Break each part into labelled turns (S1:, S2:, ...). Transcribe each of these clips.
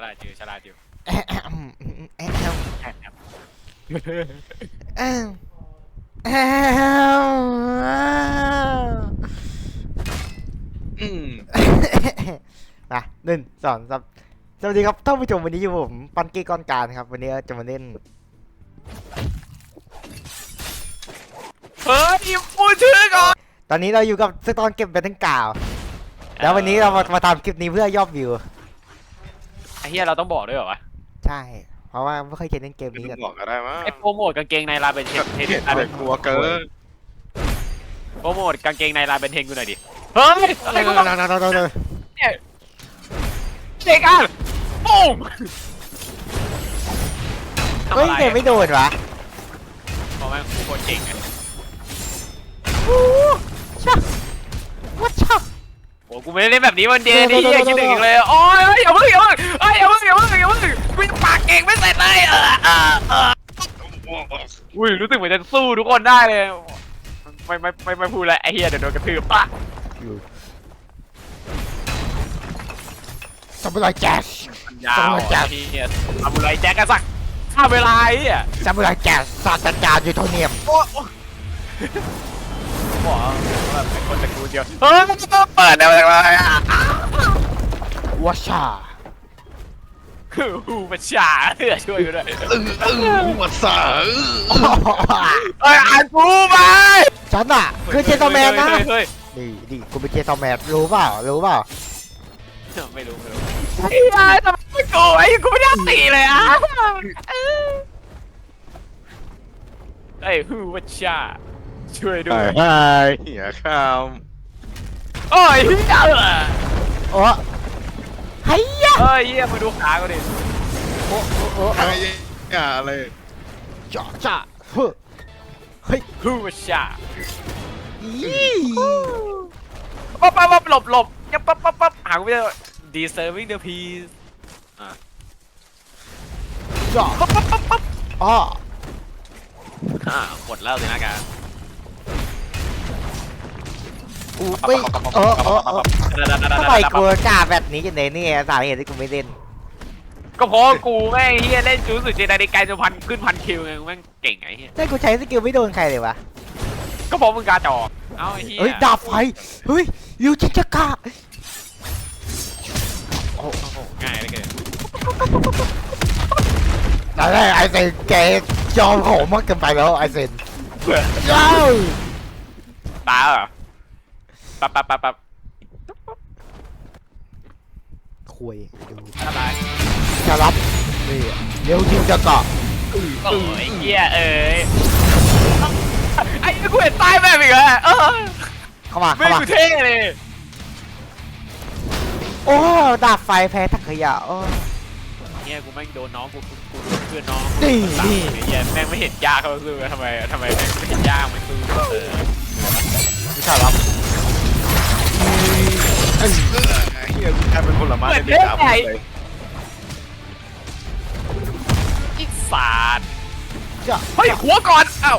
S1: ลาดอยู่ฉลาดอยู่
S2: แอะแอะแอะแอะ
S1: แอบแอบ
S2: แอะแอะ
S3: อืม
S2: มา1 2 3สวัสดีครับท่านผู้ชมวันนี้อยู่ผมปันกี้ก้อนการครับวันนี้จะมาเล่น
S1: เฮ้ยพูดชื่อก่อน
S2: ตอนนี้เราอยู่กับสตอนเก็บแบตเทิลกาวแล้ววันนี้เรามาทำคลิปนี้เพื่อยอดวิว
S1: ไอ้เหี้ยเราต้องบอกด้วยเหรอวะ
S2: ใช่ เพราะว่าไม่เคยเล่นเกม
S3: ไม่
S2: นี้
S3: ต้
S2: กั
S3: อน งบอกก็ได้มั้ง
S1: ไอ้โปรโมทกางเกงในลาเบนเทน
S3: เห็นแต่กลัวเกิน
S1: โปรโมทกางเกงในลาเบนเทนกูหน่อยดิเฮ้ยอะไรกูบอกเนี่ยเด็กอ่ะปุ้ม
S2: เฮ้ยเกมไม่โดนวะ
S1: บอกแม่งกูโคตรเก่งอ่ะ
S2: ชักวัดชัก
S1: โอ้กูไม่ได้เล่นแบบนี้วันเดียวนี่เหี้ยคิดถึงอีกเลยโอ้ยอย่าเพิ่งอย่าเพิ่งเฮ้ยอย่าเพิ่งอย่าเพิ่งอย่าเพิ่งกูยังปากเก่งไม่เสร็จเลยอุ้ยรู้สึกเหมือนจะสู้ทุกคนได้เลยไม่พูดเลยไอ้เหี้ยเดี๋ยวโดนกระทืบปะ
S2: ซามูไรแจ๊ส
S1: มันยาวที่เนี่ยทำอะไรแจ็คกันสักฆ่าเวลาไอ้อ่ะ
S2: ซามูไรแจ๊สศาสตราจารย์ยูโทเนียม
S1: โอ้บอกว่าเป็นคนตระกูลเดียวเฮ้ยเปิดได้มาจากไหนอ่ะ
S2: วัชชา
S1: ฮูบัชชาเพื่อช่วยกูด้วย
S3: วัดสา
S1: เอ้ยอ่านกูไป
S2: ฉันอ่ะคือเจตแมนนะ
S1: เฮ้ย
S2: นี่กูเป็นเจตแมนรู้เปล่า
S1: ไม่รู้ไอ้ยายทำไมไม่กูไอ้กูไม่ได้ตีเลยอ่ะไอ้ฮูบัชชาช่วยด้วย
S3: ไอ้เหี้ยข้าม
S1: โอ้ยเฮีย
S2: โอ้ไฮยะ
S1: เฮ้ยเฮียมาดูขากูดิ
S2: โอ้
S3: ไอ้เหี้ยอะไร
S2: จ่อจ่าเฮ้ย
S1: ฮูบัชชา
S2: อี
S1: ปั๊บหลบยังปั๊บหากูไม่เจอ deserving the peace
S2: จ่ออ๋อ
S1: หมดแล้วสินะการ
S2: อู้ไม่ทำไมกูกล้าแบบนี้กันเนี่ยสาเหตุที่กูไม่เล่น
S1: ก็เพราะกูแม่งเฮียเล่นจูสุดเจไดในไกลจนขึ้นพันคิวไงแม่งเก่งไอ้เฮีย
S2: แต่กูใช้สกิลไม่โดนใครเลยวะ
S1: ก็เพราะมึงกาจอกเอาไอ้เฮีย
S2: เฮ้ยดาบไฟเฮ้ยยูชิชะกะ
S1: โอ้โหง่ายเลยเกิน
S2: นั่นแหละไอเซนแกยอมโหมมากเกินไปแล้วไอเซนเย้า
S1: ตาเหรอปั๊บ
S2: คุยดู
S1: อะไร
S2: จะรับนี่เร็วจริงจะเกาะ
S1: โอ้ยเฮียเอ้ยไอ้กูเห็นใต้แม่อีกแล้ว
S2: เข้ามา
S1: ไม่กูเท่เลย
S2: โอ้ดาบไฟแพ้ถักขยะโอ้
S1: เฮียกูแม่งโดนน้องกูโดนเพื่อนน้อง
S2: นี่
S1: เฮียแม่งไม่เห็นยากเขาซื้อทำไมแม่งไม่เห็นยากมันซื้อ
S2: วิชารับ
S3: ไอ้เหี้ยกูแค่เป็นผลไม้ในเด็กครับเลย
S1: อีสาน
S2: จะ
S1: เฮ้ยหัวก่อนเอ้า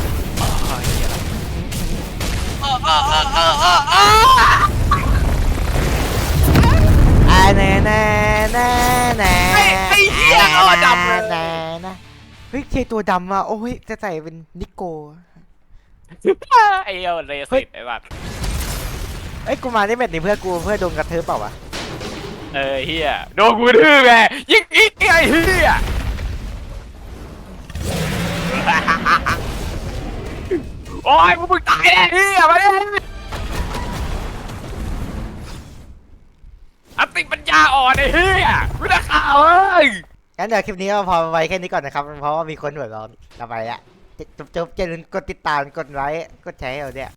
S2: แน่แน่แน่แน่แน่เฮ้ยเจตัวดำอ่ะโอ้ยจะใส่เป็นนิโก้
S1: ไอ้เหี้ยเรสิตไอ้บัตร
S2: เอ้ยกูมาได้แบบนี้เพื่อโดนกระเทืบเปล่าวะ
S1: เฮียโดนกูทื่อไงยิงอีกไอ้เฮียโอ้ยมึงตายแน่เฮียมาดิอติปัญญาอ่อนไอ้เฮียไม่ได้ข่าวเอ้ย
S2: งั้นเดี๋ยวคลิปนี้ก็พอไว้แค่นี้ก่อนนะครับเพราะว่ามีคนหัวร้อนต่อไปอ่ะจบอย่าลืมกดติดตามกดไลค์กดแชร์ให้เราเนี่ย